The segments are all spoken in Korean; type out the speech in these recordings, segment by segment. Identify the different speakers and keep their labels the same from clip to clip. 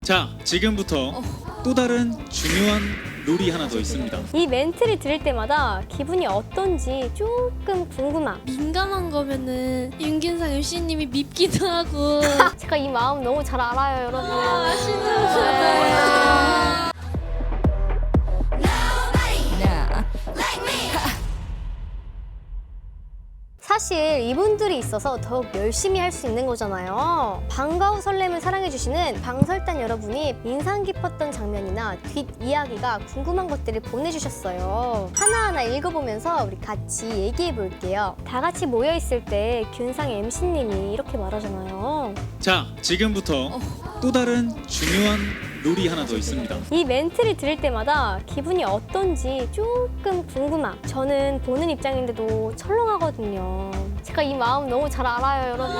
Speaker 1: 자, 지금부터 또 다른 중요한 룰이 하나 더 있습니다.
Speaker 2: 이 멘트를 들을 때마다 기분이 어떤지 조금 궁금함.
Speaker 3: 민감한 거면은 윤균상 MC님이 밉기도 하고.
Speaker 2: 제가 이 마음 너무 잘 알아요, 여러분. 사실 이분들이 있어서 더욱 열심히 할 수 있는 거잖아요. 방과 후 설렘을 사랑해주시는 방설단 여러분이 인상 깊었던 장면이나 뒷이야기가 궁금한 것들을 보내주셨어요. 하나하나 읽어보면서 우리 같이 얘기해 볼게요. 다 같이 모여있을 때 균상 MC님이 이렇게 말하잖아요.
Speaker 1: 자, 지금부터 또 다른 중요한 룰이 하나 더 있습니다.
Speaker 2: 이 멘트를 들을 때마다 기분이 어떤지 조금 궁금함. 저는 보는 입장인데도 철렁하거든요. 제가 이 마음 너무 잘 알아요, 여러분.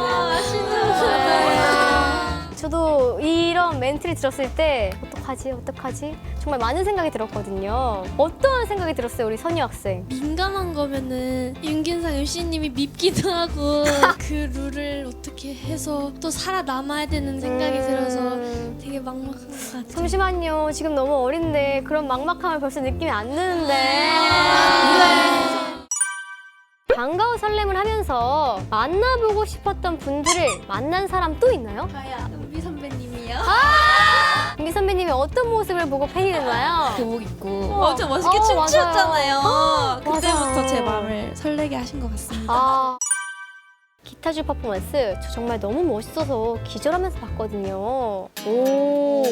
Speaker 2: 저도 이런 멘트를 들었을 때 어떡하지? 정말 많은 생각이 들었거든요. 어떠한 생각이 들었어요, 우리 선희 학생?
Speaker 3: 민감한 거면은 윤균상 MC님이 밉기도 하고 그 룰을 어떻게 해서 또 살아남아야 되는 생각이 들어서 되게 막막한 것 같아요.
Speaker 2: 잠시만요. 지금 너무 어린데 그런 막막함을 벌써 느낌이 안 드는데. 방과 후 설렘을 하면서 만나보고 싶었던 분들을 만난 사람 또 있나요?
Speaker 3: 가야 은비 선배님이요.
Speaker 2: 은비 선배님이 어떤 모습을 보고 팬이 됐나요?
Speaker 4: 교복 입고
Speaker 3: 엄청 멋있게 춤추었잖아요. 그때부터
Speaker 2: 맞아요.
Speaker 3: 제 마음을 설레게 하신 것 같습니다.
Speaker 2: 아, 기타줄 퍼포먼스 저 정말 너무 멋있어서 기절하면서 봤거든요. 오,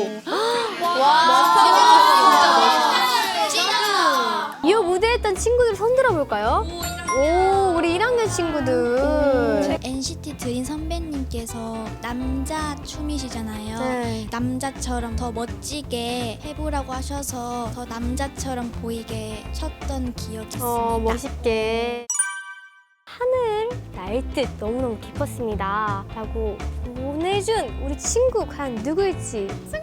Speaker 2: 이 무대에 했던 친구들 손 들어볼까요? 오, 우리 1학년 친구들.
Speaker 4: NCT 드림 선배님께서 남자 춤이시잖아요.
Speaker 2: 네.
Speaker 4: 남자처럼 더 멋지게 해보라고 하셔서 더 남자처럼 보이게 췄던 기억이 있습니다.
Speaker 2: 멋있게. 하늘 날 듯 너무너무 깊었습니다. 라고 보내준 우리 친구 과연 누구일지.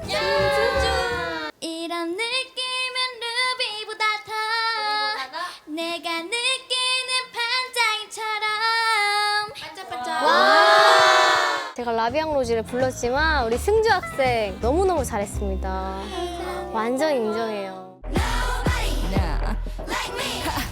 Speaker 4: 이런 느낌은 루비보다 더 내가 느끼는 반짝이처럼
Speaker 2: 제가 라비앙 로지를 불렀지만 우리 승주 학생 너무너무 잘했습니다. 완전 인정해요.